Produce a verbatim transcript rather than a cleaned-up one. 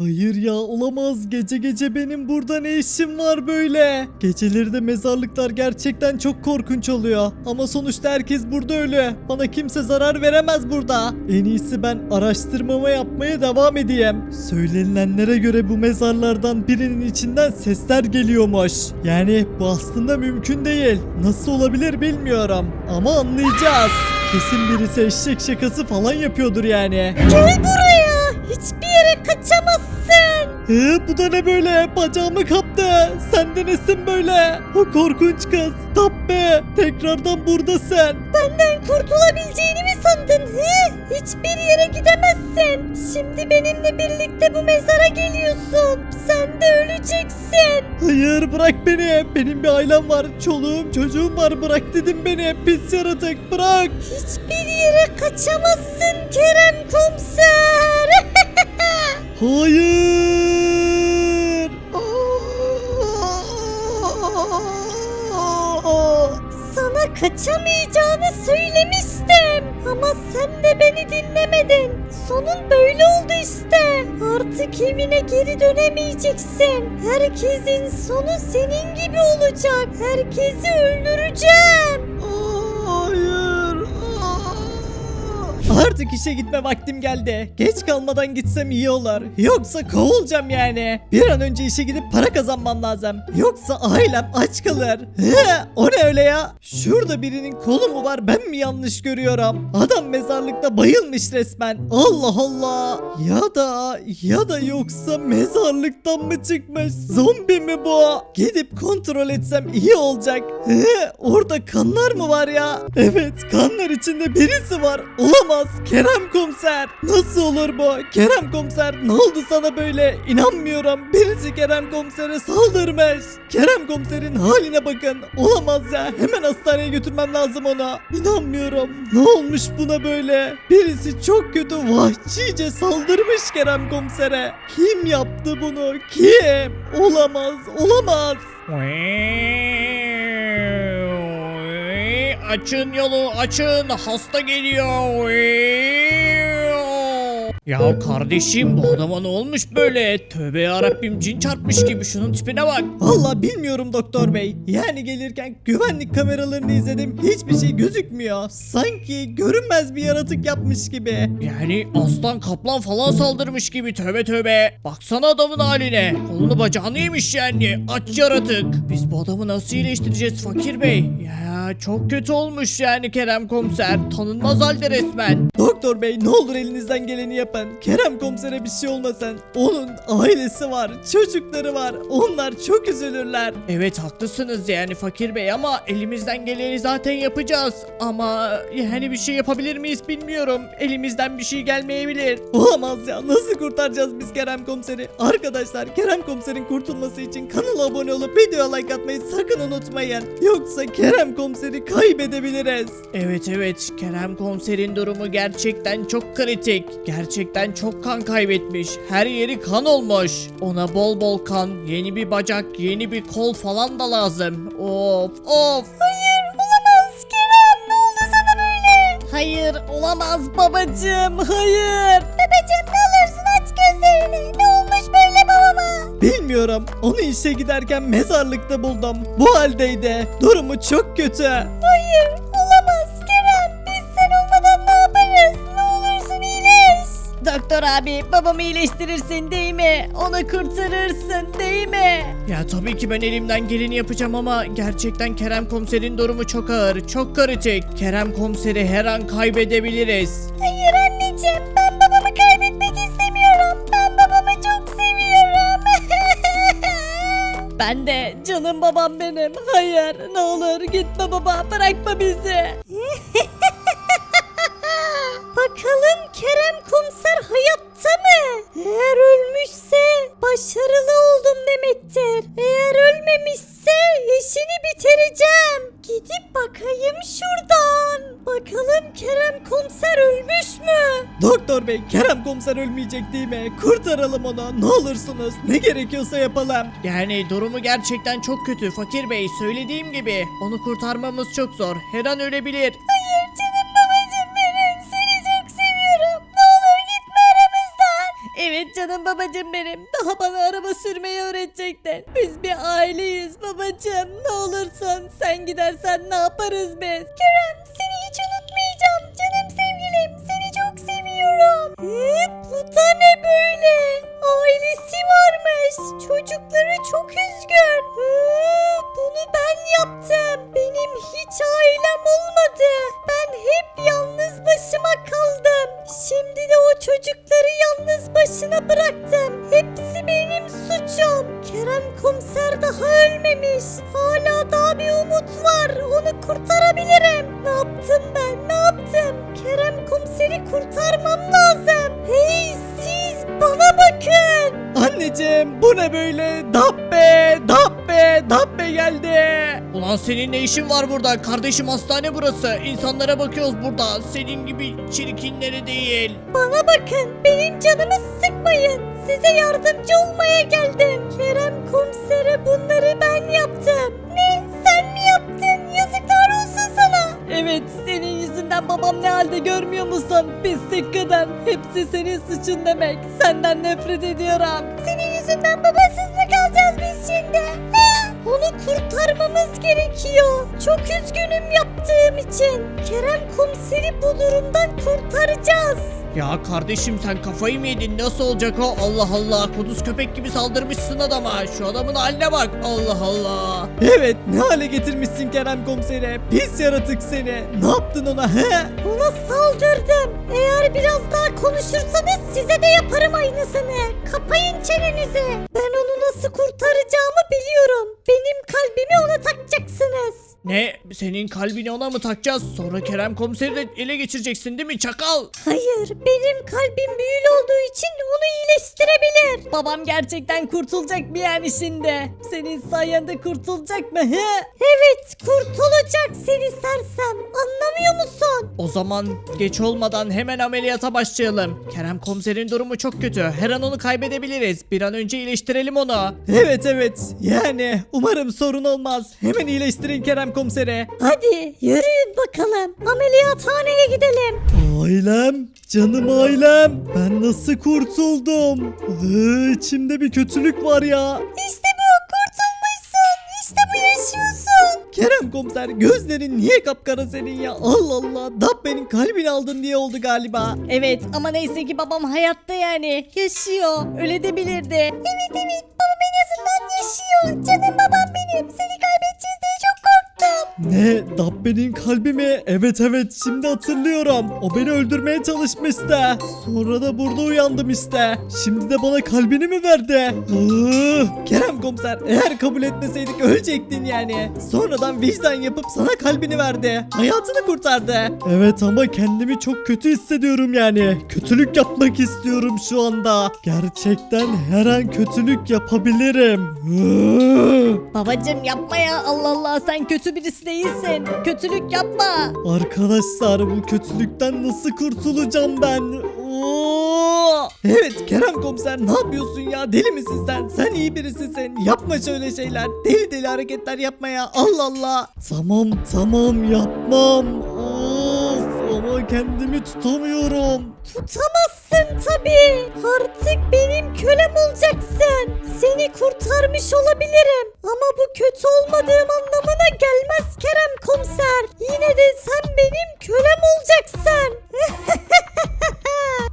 Hayır ya, olamaz. Gece gece benim burada ne işim var böyle? Geceleri de mezarlıklar gerçekten çok korkunç oluyor. Ama sonuçta herkes burada ölü. Bana kimse zarar veremez burada. En iyisi ben araştırmama yapmaya devam edeyim. Söylenilenlere göre bu mezarlardan birinin içinden sesler geliyormuş. Yani bu aslında mümkün değil. Nasıl olabilir bilmiyorum. Ama anlayacağız. Kesin birisi eşek şakası falan yapıyordur yani. Gel buraya. Hiçbir yere kaçamazsın. Ee, bu da ne böyle? Bacağımı kaptı. Sen de nesin böyle? O korkunç kız. Tappe. Tekrardan buradasın. Benden kurtulabileceğini mi sandın? He? Hiçbir yere gidemezsin. Şimdi benimle birlikte bu mezara geliyorsun. Sen de öleceksin. Hayır, bırak beni. Benim bir ailem var. Çoluğum çocuğum var. Bırak dedim beni. Pis yaratık, bırak. Hiçbir yere kaçamazsın Kerem Komiser. Hayır. Sana kaçamayacağını söylemiştim. Ama sen de beni dinlemedin. Sonun böyle oldu işte. Artık evine geri dönemeyeceksin. Herkesin sonu senin gibi olacak. Herkesi öldüreceğim. Hayır. Artık işe gitme vaktim geldi. Geç kalmadan gitsem iyi olur. Yoksa kovulacağım yani. Bir an önce işe gidip para kazanmam lazım. Yoksa ailem aç kalır. He, o ne öyle ya? Şurada birinin kolu mu var, ben mi yanlış görüyorum? Adam mezarlıkta bayılmış resmen. Allah Allah. Ya da ya da yoksa mezarlıktan mı çıkmış? Zombi mi bu? Gidip kontrol etsem iyi olacak. He, orada kanlar mı var ya? Evet, kanlar içinde birisi var. Olamaz. Kerem Komiser. Nasıl olur bu? Kerem Komiser, ne oldu sana böyle? İnanmıyorum. Birisi Kerem Komiser'e saldırmış. Kerem Komiser'in haline bakın. Olamaz ya. Hemen hastaneye götürmem lazım ona. İnanmıyorum. Ne olmuş buna böyle? Birisi çok kötü vahşice saldırmış Kerem Komiser'e. Kim yaptı bunu? Kim? Olamaz. Olamaz. Açın yolu, açın, hasta geliyor. Ya kardeşim, bu adama ne olmuş böyle? Tövbe yarabbim, cin çarpmış gibi, şunun tipine bak. Vallahi bilmiyorum doktor bey. Yani gelirken güvenlik kameralarını izledim. Hiçbir şey gözükmüyor. Sanki görünmez bir yaratık yapmış gibi. Yani aslan kaplan falan saldırmış gibi, tövbe tövbe. Baksana adamın haline. Kolunu bacağını yemiş yani, aç yaratık. Biz bu adamı nasıl iyileştireceğiz fakir bey? Ya çok kötü olmuş yani Kerem Komiser. Tanınmaz halde resmen. Doktor bey, ne olur elinizden geleni yapın. Kerem Komiser'e bir şey olmasın. Onun ailesi var, çocukları var. Onlar çok üzülürler. Evet haklısınız yani fakir bey, ama elimizden geleni zaten yapacağız. Ama yani bir şey yapabilir miyiz bilmiyorum. Elimizden bir şey gelmeyebilir. Olamaz ya. Nasıl kurtaracağız biz Kerem Komiser'i? Arkadaşlar, Kerem Komiser'in kurtulması için kanala abone olup video like atmayı sakın unutmayın. Yoksa Kerem Komiser'i kaybedebiliriz. Evet evet, Kerem Komiser'in durumu gerçekten çok kritik. Gerçekten çok kan kaybetmiş. Her yeri kan olmuş. Ona bol bol kan, yeni bir bacak, yeni bir kol falan da lazım. Of of. Hayır olamaz Kerem. Ne oldu sana böyle? Hayır olamaz babacığım. Hayır. Babacığım ne olursun aç gözlerini. Ne olmuş böyle babama? Bilmiyorum. Onu işe giderken mezarlıkta buldum. Bu haldeydi. Durumu çok kötü. Hayır olamaz Kerem. Biz sen olmadan ne yaparız? Ne olursun iyileş. Doktor abi babamı iyileştirirsin değil mi? Onu kurtarırsın değil mi? Ya tabii ki ben elimden geleni yapacağım ama gerçekten Kerem Komiser'in durumu çok ağır, çok kritik. Kerem Komiser'i her an kaybedebiliriz. Hayır anneciğim ben babamı kaybetmek istemiyorum. Ben babamı çok seviyorum. Ben de canım babam benim. Hayır ne olur gitme baba bırakma bizi. Bakalım Kerem Komiser hayatta mı? Eğer ölmüşse başarılı oldum demektir. Eğer ölmemişse işini bitireceğim. Gidip bakayım şuradan. Bakalım Kerem Komiser ölmüş mü? Doktor bey, Kerem Komiser ölmeyecek değil mi? Kurtaralım onu. Ne olursunuz. Ne gerekiyorsa yapalım. Yani durumu gerçekten çok kötü fakir bey, söylediğim gibi onu kurtarmamız çok zor, her an ölebilir. Hayır canım babacığım benim. Seni çok seviyorum. Ne olur gitme aramızdan. Evet canım canım babacım benim. Daha bana araba sürmeyi öğretecektin. Biz bir aileyiz babacım. Ne olursun sen gidersen ne yaparız biz? Kerem seni hiç unutmayacağım. Canım sevgilim seni çok seviyorum. Ee, bu da ne böyle? Ailesi varmış. Çocukları çok üzgün. Ee, bunu ben yaptım. Benim hiç ailem olmadı. Ben hep yalnız başıma kaldım. Şimdi de o çocukları yalnız başına bıraktım. Hepsi benim suçum. Kerem komiser daha ölmemiş. Hala daha bir umut var. Onu kurtarabilirim. Ne yaptım ben? Ne yaptım? Kerem komiseri kurtarmam lazım. Hey siz bana bakın. Anneciğim bu ne böyle? Dabbe, Dabbe, Dabbe geldi. Ulan senin ne işin var burada? Kardeşim hastane burası. İnsanlara bakıyoruz burada. Senin gibi çirkinleri değil. Bana bakın. Benim canımı sıkmayın. Size yardımcı olmaya geldim. Kerem komisere bunları ben yaptım. Ne? Sen mi yaptın? Yazıklar olsun sana. Evet senin yüzünden babam ne halde görmüyor musun? Pislik kadın. Hepsi senin suçun demek. Senden nefret ediyorum. Senin yüzünden babasız mı kalacağız biz şimdi? Ha? Onu kurtarmamız gerekiyor. Çok üzgünüm yaptığım için. Kerem komiseri bu durumdan kurtaracağız. Ya kardeşim sen kafayı mı yedin? Nasıl olacak o? Allah Allah. Kuduz köpek gibi saldırmışsın adama. Şu adamın haline bak. Allah Allah. Evet ne hale getirmişsin Kerem komisere? Pis yaratık seni. Ne yaptın ona he? Ona saldırdım. Eğer biraz daha konuşursanız size de yaparım aynısını. Kapayın çenenizi. Ben onu nasıl kurtaracağımı biliyorum. Benim kalbimi ona takacaksınız. Ne? Senin kalbini ona mı takacağız? Sonra Kerem komiseri de ele geçireceksin değil mi çakal? Hayır, benim kalbim büyülü olduğu için onu iyileştirebilir. Babam gerçekten kurtulacak bir yani şimdi. Senin sayende kurtulacak mı he? Evet, kurtulacak seni sersem. Anlamıyor musun? O zaman geç olmadan hemen ameliyata başlayalım. Kerem komiserin durumu çok kötü. Her an onu kaybedebiliriz. Bir an önce iyileştirelim onu. Evet evet yani umarım sorun olmaz. Hemen iyileştirin Kerem komisere. Hadi yürüyün bakalım. Ameliyathaneye gidelim. Ailem, canım ailem. Ben nasıl kurtuldum? Ee, içimde bir kötülük var ya. İşte bu, kurtulmuşsun. İşte bu, yaşıyorsun. Kerem komiser gözlerin niye kapkara senin ya? Allah Allah. Dabbe'nin kalbini aldın diye oldu galiba. Evet ama neyse ki babam hayatta yani. Yaşıyor. Öyle de bilirdi. Evet evet, babam en azından yaşıyor. Canım babam benim. Seni kaybedeceğiz diye çok korktum. Ne? Dabbe'nin kalbi mi? Evet evet şimdi hatırlıyorum. O beni öldürmeye çalışmıştı. Sonra da burada uyandım işte. Şimdi de bana kalbini mi verdi? Iıı, Kerem komiser eğer kabul etmeseydik ölecektin yani. Sonradan vicdan yapıp sana kalbini verdi. Hayatını kurtardı. Evet ama kendimi çok kötü hissediyorum yani. Kötülük yapmak istiyorum şu anda. Gerçekten her an kötülük yapabilirim. Iıı. Babacım yapma ya, Allah Allah, sen kötü birisi değilsin. Kötülük yapma. Arkadaşlar bu kötülükten nasıl kurtulacağım ben? Oo! Evet Kerem komiser ne yapıyorsun ya? Deli misin sen? Sen iyi birisisin. Yapma şöyle şeyler. Deli deli hareketler yapma ya. Allah Allah. Tamam tamam yapmam. Of ama kendimi tutamıyorum. Tutamazsın tabii. Artık benim kölem olacaksın. Seni kurtarmış olabilirim. Ama bu kötü olmadığım anlamına gelmez Kerem komiser. Yine de sen benim kölem olacaksın.